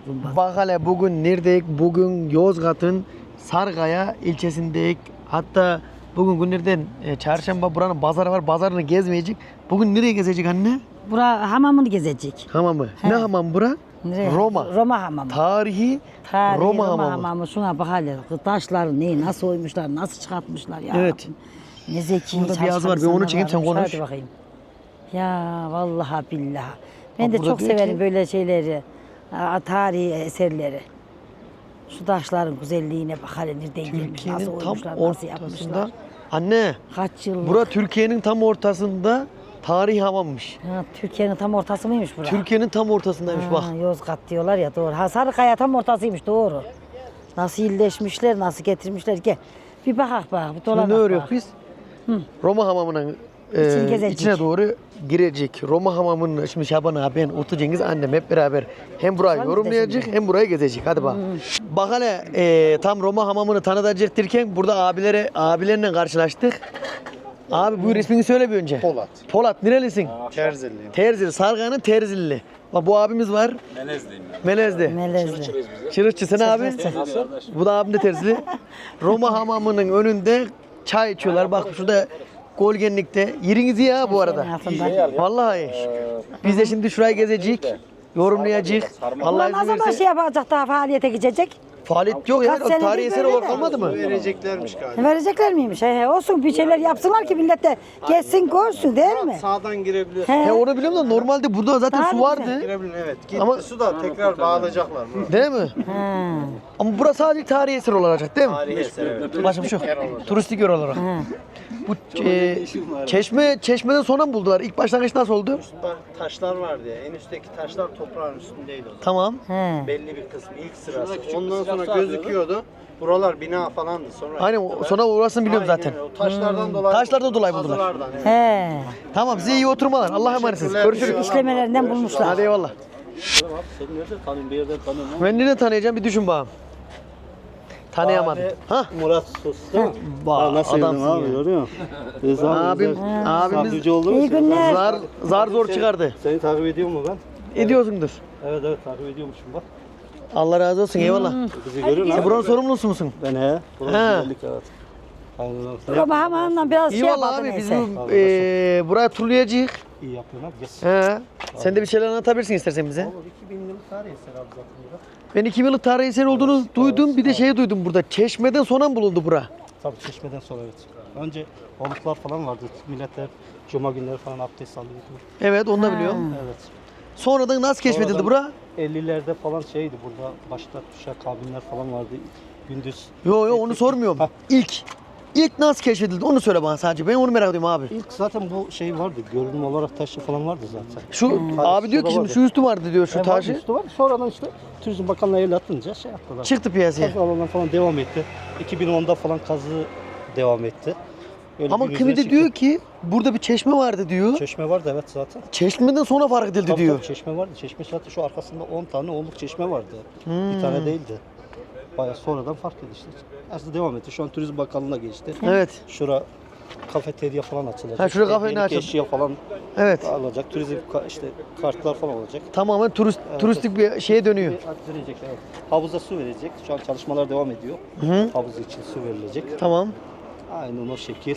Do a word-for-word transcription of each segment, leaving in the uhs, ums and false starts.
Gumbaz. Bak hele bugün neredeyiz? Bugün Yozgat'ın Sarıkaya ilçesindeyiz. Hatta bugün günlerden e, çarşamba buranın pazarı var. Pazarını gezmeyecek. Bugün nereye gezecek anne? Bura hamamını gezecek. Hamamı. He. Ne hamam bura? Nereye? Roma. Roma hamamı. Tarihi, Tarihi Roma, Roma, hamamı. hamamı. Şuna bak hele. Taşları ne, nasıl oymuşlar, nasıl çıkartmışlar ya. Evet. Rabbim. Ne zeki. Burada bir yazı var. Ben onu çekeyim, sen konuş. Hadi bakayım. Ya vallahi billahi. Ben Bak de burada çok diyor severim ki- böyle şeyleri. ha, Tarihi eserleri. Şu taşların güzelliğine bak hele nereden gelmiş, nasıl Türkiye'nin tam oymuşlar, nasıl yapmışlar. ortasında. Anne, Kaç yıllık. bura Türkiye'nin tam ortasında tarihi hamammış. Ha, Türkiye'nin tam ortası mıymış bura? Türkiye'nin tam ortasındaymış Ha, bak. Yozgat diyorlar ya doğru. Ha Sarıkaya tam ortasıymış doğru. Nasıl iyileşmişler, nasıl getirmişler. Gel bir bakak bak, bir Şimdi dolan ne bak. örüyoruz biz? Roma hamamının e, İçini gezecek. içine doğru girecek. Roma hamamının şimdi Şaban abi, ben Utku Cengiz annem hep beraber hem burayı Sen yorumlayacak de hem burayı gezecek. Hadi bak. Bak hele e, tam Roma hamamını tanıtacak derken burada abilere abilerle karşılaştık. Abi bu resmini söyle bir önce. Polat. Polat nerelisin? Terziliyim. Terzili. Sarıkaya'nın Terzilili. Bak bu abimiz var. Melezliyim ben. Melezli. Melezli. Çırıkçı sen abi. Nasıl? Bu da abim de terzili. Roma hamamının önünde çay içiyorlar. Bak şurada Golgenlik'te. Yeriniz iyi ha bu arada. Altında. Vallahi iyi. Biz de şimdi şurayı gezecek, yorumlayacak. Allah Ulan ne izin zaman verirse. şey yapacak daha faaliyete gidecek? Faaliyet yok ya. Kaç senedir Tarihi eser böyle olarak de. kalmadı mı? Vereceklermiş galiba. Verecekler miymiş? He, he, olsun bir şeyler yapsınlar ki millet de geçsin görsün değil mi? Sağdan girebilir. He. He onu biliyorum da normalde burada zaten Daha su mı vardı. Girebilir evet. Gitti Ama- su da tekrar bağlayacaklar. Buraya. Değil mi? Ha. Ama burası sadece tarihi eser olacak değil mi? Tarihi eser evet. Başka bir şey yok. Turistik yer olarak. Bu e, çeşme çeşmeden sonra mı buldular? İlk başlangıç nasıl oldu? Üstte taşlar vardı ya. En üstteki taşlar toprağın üstündeydi o zaman. Tamam. He. Belli bir kısmı ilk sırası. Ondan sonra gözüküyordu. Buralar bina falandı. Sonra Aynen o- sonra orasını biliyorum Aynen zaten. öyle. O taşlardan dolayı. Taşlardan dolayı buldular. Kazılardan, evet. He. Tamam size iyi oturmalar. Allah'a emanetsiniz. Görüşürüz. İşlemelerinden bulmuşlar. Hadi eyvallah. Seni nereden tanıyorum? Bir yerden tanıyorum. Ben nereden tanıyacağım bir düşün bakalım. Tanıyamadım. Ha? Murat Sus değil mi? Bak Nasıl adamsın abi ya. görüyor musun? Rıza Abim, abimiz Sabrici olduğumuz İyi için. günler. zar zar zor çıkardı. Seni takip ediyor mu ben? Ediyorsundur. Evet evet takip ediyormuşum bak. Allah razı olsun eyvallah. Bizi görüyor Sen musun? buranın sorumlusu musun? Ben he. Burası He. güzellik evet. Aynen öyle. Ama hamamdan biraz İyi şey valla yapalım abi biz neyse. bu eee buraya turlayacağız. İyi yapıyorsun abi. Yes. He. Sen de bir şeyler anlatabilirsin istersen bize. Olur iki bin yıllık tarih eser abi zaten burada. Ben iki bin yıllık tarihi eser olduğunu duydum. Bir de şey duydum burada. Çeşmeden sonra mı bulundu bura? Tabii çeşmeden sonra evet. Önce oluklar falan vardı. Milletler cuma günleri falan abdest alıyordu. Evet onu da biliyorum. Evet. Sonradan nasıl keşfedildi Sonradan bura? ellilerde falan şeydi burada. Başta tuşa kabinler falan vardı. Gündüz. Yo yo onu sormuyorum. Ha. İlk. İlk nasıl keşfedildi onu söyle bana sadece. Ben onu merak ediyorum abi. İlk zaten bu şey vardı. Görünüm olarak taşı falan vardı zaten. Şu abi diyor ki şimdi şu üstü vardı diyor şu Hem vardı, taşı. üstü var. Sonradan işte Turizm Bakanlığı el atınca şey yaptılar. Çıktı piyasaya. Kazı alanlar falan devam etti. iki bin onda falan kazı devam etti. Öyle Ama gün kimi yüzüne de çıktı. diyor ki burada bir çeşme vardı diyor. Çeşme vardı evet zaten. Çeşmeden sonra fark edildi Tabii, diyor. tabii, çeşme vardı. Çeşme zaten şu arkasında on tane onluk çeşme vardı. Hmm. Bir tane değildi. Bayağı sonradan fark edildi işte. Aslında devam etti. Şu an Turizm Bakanlığı'na geçti. Evet. Şura kafeterya falan açılacak. Ha, şura İşte kafeterya yeni açıldı. eşya falan Evet. alacak. Turizm ka- işte kartlar falan olacak. Tamamen turist, Evet. turistik bir şeye dönüyor. Bir verecek, evet. Havuza su verecek. Şu an çalışmalar devam ediyor. Hı. Havuz için su verilecek. Tamam. Aynen o şekil.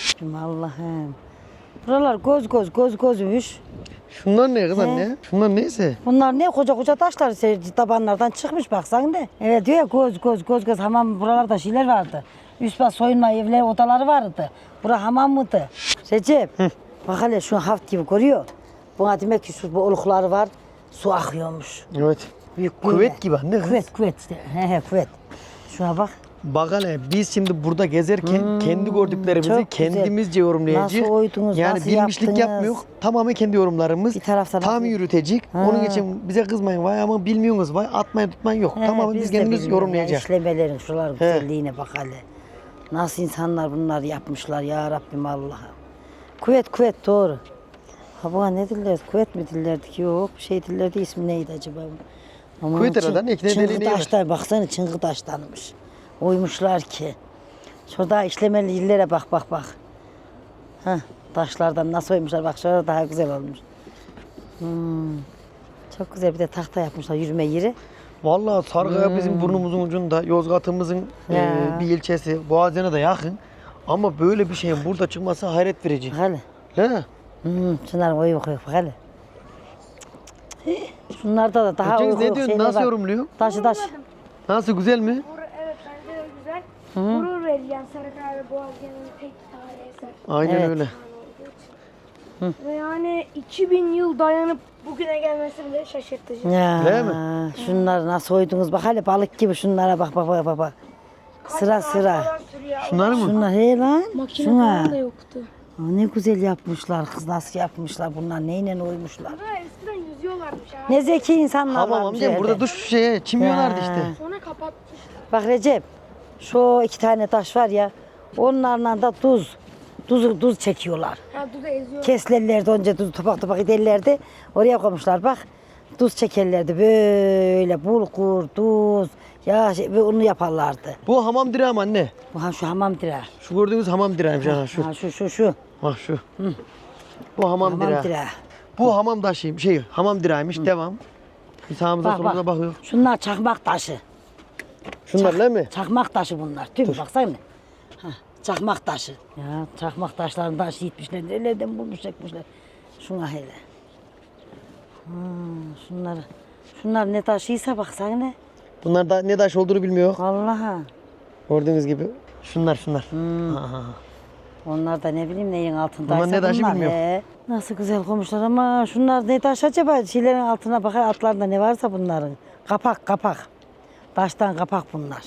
Allah'ım. Buralar göz göz göz gözmüş. Şunlar ne kız He. anne? Şunlar neyse? Bunlar ne koca koca taşlar se- tabanlardan çıkmış baksan ne. Evet diyor ya göz göz göz göz hamam buralarda şeyler vardı. Üst bas soyunma evleri odaları vardı. Bura hamam mıydı? Recep bak hele şu haft gibi görüyor. Buna demek ki şu bu olukları var. Su akıyormuş. Evet. Büyük Küvet böyle. gibi anne kız. Küvet küvet işte. He he küvet. Şuna bak. Bak hele biz şimdi burada gezerken kendi gördüklerimizi çok güzel. kendimizce yorumlayacağız. Nasıl oydunuz, Yani nasıl bilmişlik yaptınız? yapmıyor. Tamamen kendi yorumlarımız. Bir taraftan tam nasıl- yürütecek. Ha. Onun için bize kızmayın vay ama bilmiyorsunuz vay atmayın tutmayın yok. He, Tamamen biz, de kendimiz bilmiyoruz yorumlayacağız. Ya, işlemelerin şuralar güzelliğine bak hele. Nasıl insanlar bunları yapmışlar ya Rabbim Allah'ım. Kuvvet kuvvet doğru. Ha buna ne dillerdi? Kuvvet mi dillerdik? Yok bir şey dillerdi. İsmi neydi acaba? Ama Kuvvet herhalde, ikna edeliğine Çıngı yer. taşlar baksana çıngı taşlanmış. Oymuşlar ki. Şurada işlemeli illere bak bak bak. Heh, taşlardan nasıl oymuşlar bak şurada daha güzel olmuş. Hmm. Çok güzel bir de tahta yapmışlar yürüme yeri. Vallahi Sarıkaya bizim burnumuzun ucunda, Yozgat'ımızın e, Ya. bir ilçesi, Boğaziyen'e de yakın. Ama böyle bir şeyin burada çıkması hayret verici. Bak hele. He? Hmm, şunlar oyu koyuyor bak hele. Şunlarda da daha Cengiz uyku ne yok, diyorsun? şeyler Nasıl var. yorumluyor? Taşı taş. Nasıl, güzel mi? Gurur, evet bence de güzel. Gurur verici yani Sarıkaya ve Boğaziyen'in tek tarihi eser Aynen Evet. öyle. olduğu için. Ve yani iki bin yıl dayanıp bugüne gelmesi bile şaşırtıcı. Ya, Değil mi? şunları nasıl oydunuz bak hele balık gibi şunlara bak bak bak bak. bak. Sıra sıra. Falan sürüyor. Şunlar mı? Şunlar he lan. Makine Şuna. falan da yoktu. Aa, ne güzel yapmışlar kız, nasıl yapmışlar bunlar, neyle oymuşlar. Burada eskiden yüzüyorlarmış abi. Ne zeki insanlar Hamam varmış amcam, burada evde. duş şeye, çimiyorlardı Ya. işte. Sonra kapatmışlar. Bak Recep, şu iki tane taş var ya, onlarla da tuz, tuz, tuz çekiyorlar. Ha duda eziyor. Keslerlerdi önce tuz topak topak ederlerdi, oraya koymuşlar bak. Tuz çekerlerdi böyle, bulgur, tuz, ya şey, ve onu yaparlardı. Bu hamam direği mi anne? Bu ha şu hamam direği. Şu gördüğünüz hamam direğiymiş ha şu. Ha şu şu şu. Bak şu. Bu hamam, Hamam direği. direği. Bu hamam taşıyım, şey hamam direğiymiş. Devam. Bir sağımıza Bak solumuza bak. bakıyor. Şunlar çakmak taşı. Şunlar değil mi? Çakmak taşı bunlar. Tüm baksana. Ha, çakmak taşı. Ya çakmak taşlarını taşı gitmişler. Nelerden bulmuş çekmişler. Şuna hele. Ha, şunları. Şunlar ne taşıysa baksana ne. Bunlar da ne taş olduğunu bilmiyor. Vallahi. Gördüğünüz gibi. Şunlar şunlar. Hmm. Ha, ha, ha. Onlar da ne bileyim neyin altındaysa Bunlar ne taşı bunlar, bilmiyorum. he. Nasıl güzel koymuşlar ama şunlar ne taş acaba? Şeylerin altına bakar, altlarında ne varsa bunların. Kapak kapak. Taştan kapak bunlar.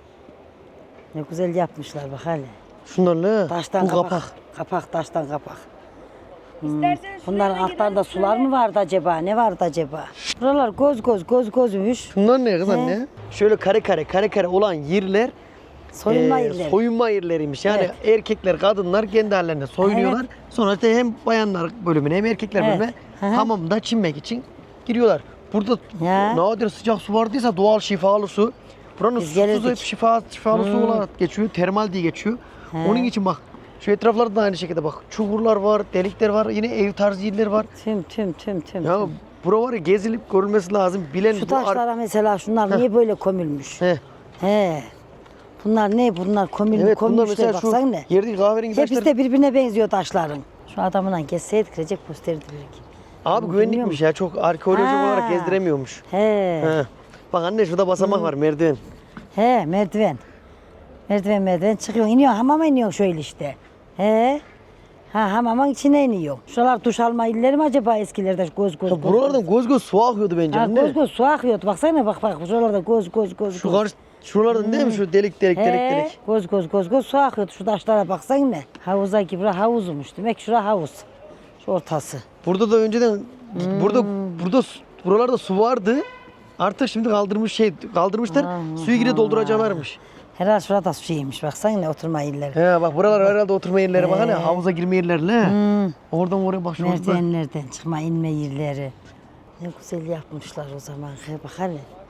Ne güzel yapmışlar bak hele. Şunlarla Taştan bu kapak. kapak. Kapak taştan kapak. İsterseniz Bunların şuraya altlarında gidelim, sular mı vardı acaba? Ne vardı acaba? Buralar göz göz göz gözmüş. Şunlar ne kız He. anne? Şöyle kare kare kare kare olan yerler Soyunma e, yerleri. soyunma yerleriymiş. Yani Evet. erkekler, kadınlar kendi hallerine soyunuyorlar. Sonra işte hem bayanlar bölümüne hem erkekler Evet. bölümüne Hı hı. hamamda çinmek için giriyorlar. Burada Ya. nadir sıcak su vardıysa doğal şifalı su. Buranın Biz su gelirdik. tuzu hep şifa, şifalı su olarak geçiyor. Termal diye geçiyor. He. Onun için bak şu etraflarda da aynı şekilde bak. Çukurlar var, delikler var, yine ev tarzı yerler var. Tüm tüm tüm tüm. Ya tüm. bura var ya gezilip görülmesi lazım. Bilen Şu bu ar- taşlara mesela şunlar niye böyle kömülmüş? He. He. Bunlar ne? Bunlar kömül, Evet bunlar kömülmüşler mesela şu baksana ne? yerdeki kahverengi Hepsi taşlar. de birbirine benziyor taşların. Şu adamla gezseydik Recep gösterirdi belki. Abi güvenlikmiş ya, çok arkeolojik Ha. olarak gezdiremiyormuş. He. He. Bak anne şurada basamak var, merdiven. He merdiven. Merdiven merdiven çıkıyor. İniyor hamama iniyor şöyle işte. He. Ha hamamın içine iniyor. Şuralar duş alma illeri mi acaba eskilerde göz göz Ya göz. buralardan göz göz su akıyordu bence Ha, anne. göz göz su akıyordu. Baksana bak bak şuralarda göz göz göz. Şu göz. karşı, şuralardan değil mi şu delik delik delik He, delik. göz göz göz göz su akıyordu. Şu taşlara baksana ne. Havuza gibi bura havuzmuş. Demek ki şura havuz. Şu ortası. Burada da önceden Hmm. burada burada su- buralarda su vardı. Artık şimdi kaldırmış şey kaldırmışlar. Suyu gire dolduracaklarmış. Herhalde şurada suymuş. Baksana ne oturma illeri. He bak buralar herhalde oturma yerleri, bak hani havuza girme yerleri. he. Hmm. Oradan oraya bak şurada. Merdivenlerden çıkma inme yerleri. Ne güzel yapmışlar o zaman. He, bak hele.